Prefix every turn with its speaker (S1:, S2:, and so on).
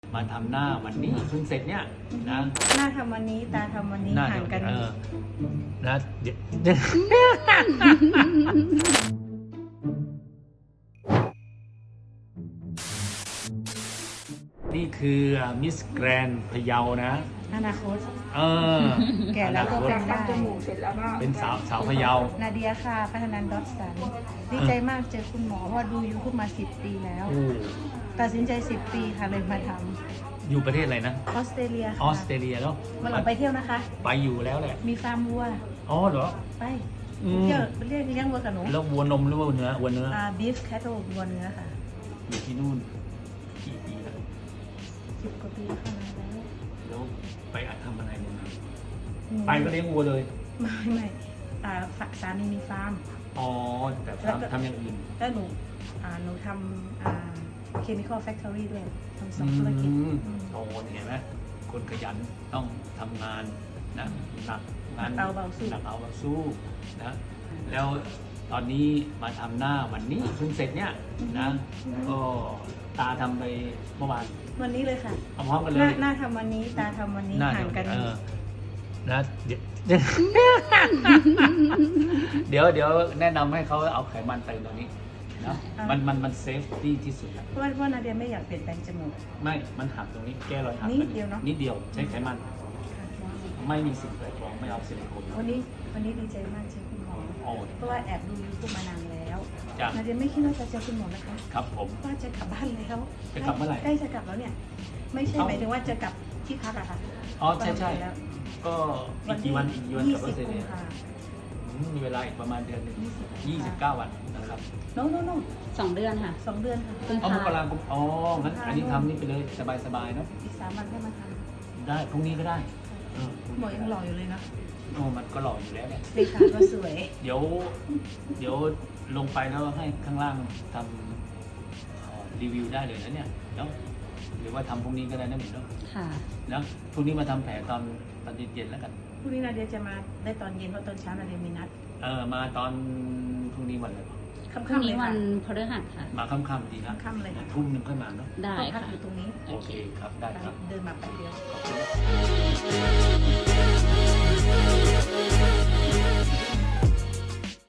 S1: มาทำหน้าวันนี้เพิ่งเสร็จเนี่ยนะ
S2: หน้าทำวันนี้ตาทำวันนี้ห่างกัน
S1: นะนี่คือมิสแกรนพะเยานะ
S2: อนาคตแก่แล้วก็เป็นได้จมูกเสร็จแล้วก็
S1: เป็นสาวพะเยา
S2: นาเดียค่ะพัฒนันท์ดอทสันดีใจมากเจอคุณหมอเพราะดูยูทูบมา10 ปีแล้วตัดสินใจ10 ปีค่ะเลยมาทำ
S1: อยู่ประเทศอะไรนะ
S2: ออสเตรเลียค่ะ
S1: ออสเตรเลียแล้ว
S2: มาหลังไปเที่ยวนะคะ
S1: ไปอยู่แล้วแหละ
S2: มีฟาร์มวัว
S1: อ๋อเหรอ
S2: ไปเที่ยวเลี้ยงวัวกับหนู
S1: แล้ววัวนมหรือวัวเนื้อ
S2: บีฟแคทเทิลวัวเนื้อค่ะ
S1: อยู่ที่นู่นกี่ปีแล้ว
S2: 10 กว่าปีแล้วค่ะ
S1: แล้วไปทำอะไรเนี่ยไปก็เลี้ยงวัวเลย
S2: ไม่สามีมีฟาร์ม
S1: อ๋อแต่ฟาร์มทำอย่างอื่น
S2: แล้วหนูทำchemical factory ด้วยทำ2 ธุรกิจ
S1: โอ้เห็นไหมคนขยันต้องทำงานนะหนักงาน
S2: เอาเบา
S1: สู้นะแล้วตอนนี้มาทำหน้าวันนี้เพิ่งเสร็จเนี่ยนะก็ตาทำไปเมื่อวาน
S2: วันนี้เลยค่ะ
S1: พร้อมกันเลย
S2: หน้าทำวันนี้ตาทำวันนี้ห่างกัน
S1: นะเดี๋ยวแนะนำให้เขาเอาไขมันเติมตรงนี้นะมันเซฟตี้ที่สุด
S2: เพราะนาเดียไม่อยากเปลี่ยนแปลงจมูก
S1: ไม่มันหักตรงนี้แก้รอยหัก
S2: นิดเดียวเนาะ
S1: นิดเดียวใช้ไขมันไม่มีสิ่งแปลกปลอมไม่เอาซิลิโคน
S2: วันนี้ดีใจมากเจอคุณหมอเพราะว่าแอบดูยูทูบมานานแล้วนาเดียไม่คิดว่าจะเจอคุณหมอนะคะ
S1: ครับผม
S2: ว่าจะกลับบ้านแล้ว
S1: จะกลับเมื่อไหร่
S2: ใกล้จะกลับแล้วเนี่ยไม่ใช่หมายถึงว่าจะกลับที่พักอะค่ะ
S1: อ๋อใช่ก็อีกกี่วันกลับออสเตรเลียมีเวลาอีกประมาณเดือนหนึ่ง29 วันนะครับ
S2: โน้2 เดือนค่ะ2 เดือนค่ะ
S1: มกราคมอ๋องั้นอันนี้ทำนี่ไปเลยสบายๆเนาะ
S2: อีก3 วันให้มาท
S1: ำได้พรุ่งนี้ก็ได้
S2: หมอยังหล่ออยู่เลยนะ
S1: โอ้มันก็หล่ออยู่แล้วแหละ
S2: เลขาก็สวย
S1: เดี๋ยวลงไปแล้วให้ข้างล่างทำรีวิวได้เลยนะเนี่ยเนาะหรือว่าทำพรุ่งนี้ก็ได้นะหมิวเนาะ
S2: ค่ะ
S1: แล้วพรุ่งนี้มาทำแผลตอนเย็นแล้วกัน
S2: พรุ่งนี้นาเดียจะมาได้ตอนเย็นเพราะตอนเช้านาเดียมีนัด
S1: มาตอนพรุ่งนี้วันอะไร
S2: ค่ำๆเลย
S3: วันพฤหัสค่ะ
S1: มาค่ำๆดีนะ
S2: ค่ำๆเลยค่ะ
S1: ทุ่มนึงค่อยมาเนาะ
S3: ได้ค่ะ
S2: อยู่ตรงนี้
S1: โอเคครับได้ครับ
S2: เดินมาแป๊บเดียว